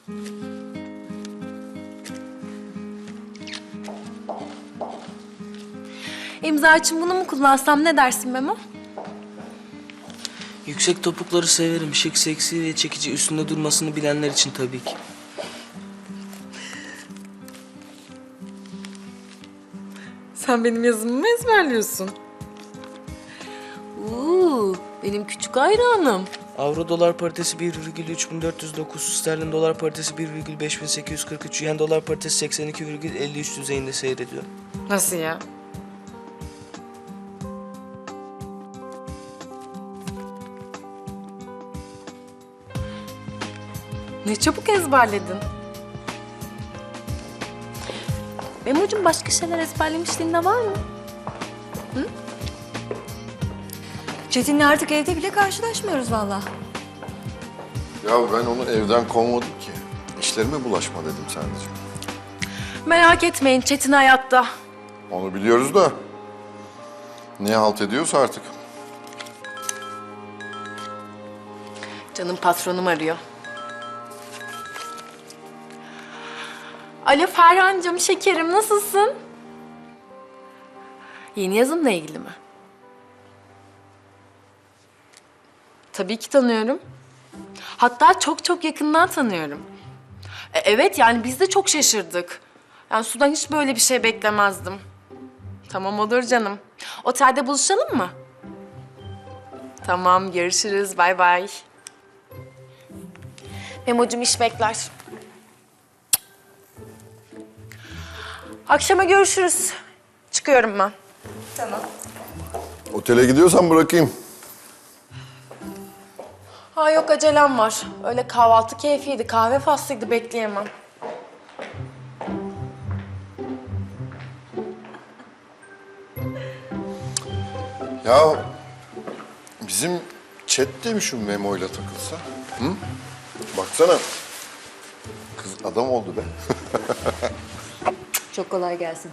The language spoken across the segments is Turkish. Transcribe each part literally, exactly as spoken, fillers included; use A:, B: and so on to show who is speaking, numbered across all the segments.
A: İmza için bunu mu kullansam ne dersin Memo?
B: Yüksek topukları severim. Şık, seksi ve çekici, üstünde durmasını bilenler için tabii ki.
A: Sen benim yazımı mı ezberliyorsun? Uuu, benim küçük hayranım.
B: Avro dolar paritesi bir virgül üç bin dört yüz dokuz, sterlin dolar paritesi bir virgül beş bin sekiz yüz kırk üç, yen dolar paritesi seksen iki virgül elli üç düzeyinde seyrediyor.
A: Nasıl ya? Ne çabuk ezberledin. Memo'cum başka şeyler ezberlemişliğin de var mı?
C: Çetin'le artık evde bile karşılaşmıyoruz vallahi.
D: Ya ben onu evden kovmadım ki. İşlerime bulaşma dedim sadece.
A: Merak etmeyin, Çetin hayatta.
D: Onu biliyoruz da ne halt ediyorsa artık.
A: Canım patronum arıyor. Alo Ferhan'cığım, şekerim nasılsın? Yeni yazımla ilgili mi? Tabii ki tanıyorum. Hatta çok çok yakından tanıyorum. E, evet yani biz de çok şaşırdık. Yani Su'dan hiç böyle bir şey beklemezdim. Tamam olur canım. Otelde buluşalım mı? Tamam görüşürüz. Bay bay. Memo'cum iş bekler. Akşama görüşürüz. Çıkıyorum ben.
D: Otele gidiyorsan bırakayım.
A: Ha yok acelem var. Öyle kahvaltı keyfiydi, kahve faslıydı bekleyemem.
D: Ya bizim chat de mi şu Memo'yla takılsa? Hı? Baksana. Kız adam oldu be.
C: Çok kolay gelsin.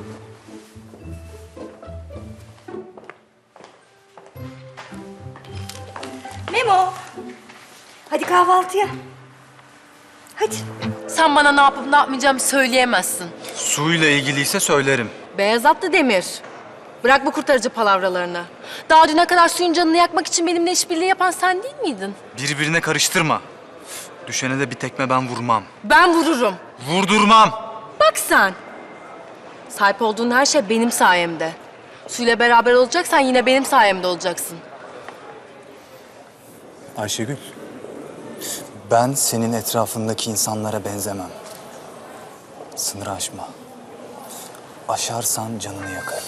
C: Memo. Hadi kahvaltıya. Hadi.
A: Sen bana ne yapıp ne yapmayacağımı söyleyemezsin.
E: Suyla ilgiliyse söylerim.
A: Beyaz atlı Demir. Bırak bu kurtarıcı palavralarını. Daha düne kadar suyun canını yakmak için benimle işbirliği yapan sen değil miydin?
E: Birbirine karıştırma. Düşene de bir tekme ben vurmam.
A: Ben vururum.
E: Vurdurmam.
A: Bak sen. Sahip olduğun her şey benim sayemde. Suyla beraber olacaksan yine benim sayemde olacaksın.
E: Ayşegül, ben senin etrafındaki insanlara benzemem. Sınır aşma. Aşarsan canını yakarım.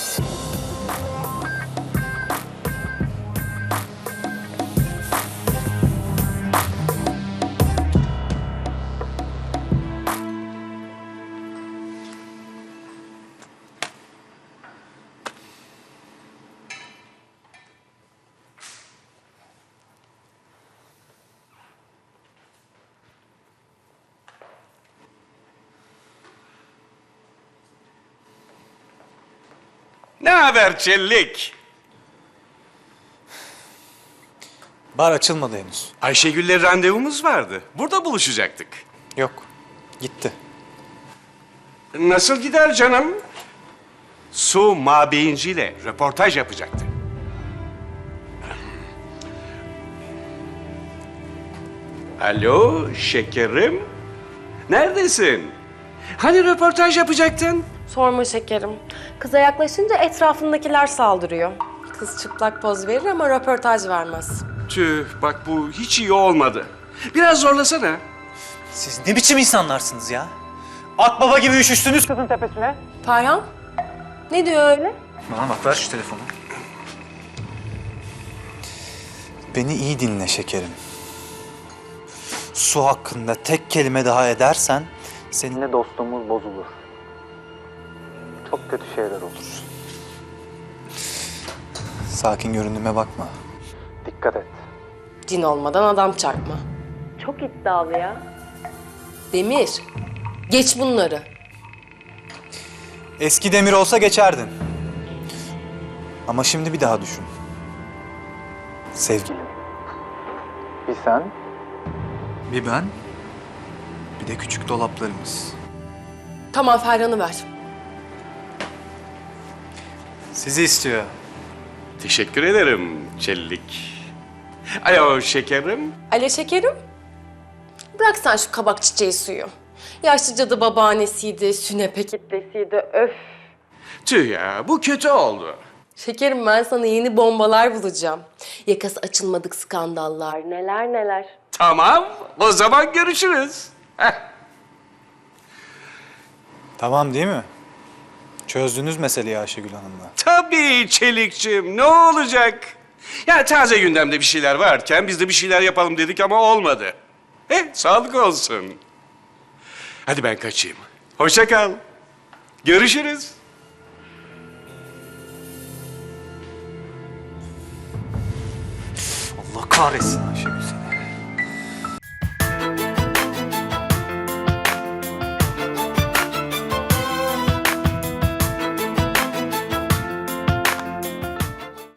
F: Ne haber Çellik?
E: Bar açılmadı henüz.
F: Ayşegül'le randevumuz vardı. Burada buluşacaktık.
E: Yok, gitti.
F: Nasıl gider canım? Su Mabeyinci'yle röportaj yapacaktı. Alo şekerim. Neredesin? Hani röportaj yapacaktın?
A: Sorma şekerim. Kıza yaklaşınca etrafındakiler saldırıyor. Kız çıplak poz verir ama röportaj vermez.
F: Tüh bak bu hiç iyi olmadı. Biraz zorlasana.
G: Siz ne biçim insanlarsınız ya? Akbaba gibi üşüştünüz kızın tepesine.
A: Ferhan, ne diyor öyle?
E: Bana bak, ver şu telefonu. Beni iyi dinle şekerim. Su hakkında tek kelime daha edersen seninle dostluğumuz bozulur. Çok kötü şeyler olur. Sakin göründüğüme bakma. Dikkat et.
A: Cin olmadan adam çarpma. Çok iddialı ya. Demir, geç bunları.
E: Eski Demir olsa geçerdin. Ama şimdi bir daha düşün. Sevgilim. Bir sen. Bir ben. Bir de küçük dolaplarımız.
A: Tamam, Ferhan'ı ver.
G: Sizi istiyor.
F: Teşekkür ederim Çellik. Alo şekerim.
A: Ale şekerim. Bırak sen şu kabak çiçeği suyu. Yaşlı cadı babaannesiydi, sünepe kitlesiydi, öf.
F: Tüh ya, bu kötü oldu.
A: Şekerim, ben sana yeni bombalar bulacağım. Yakası açılmadık skandallar, neler neler.
F: Tamam, o zaman görüşürüz. Heh.
G: Tamam değil mi? Çözdünüz meseleyi Ayşegül Hanım'la.
F: Tabii Çelikçim, ne olacak? Ya taze gündemde bir şeyler varken biz de bir şeyler yapalım dedik ama olmadı. Eh, sağlık olsun. Hadi ben kaçayım. Hoşça kal. Görüşürüz.
G: Allah kahretsin Ayşegül.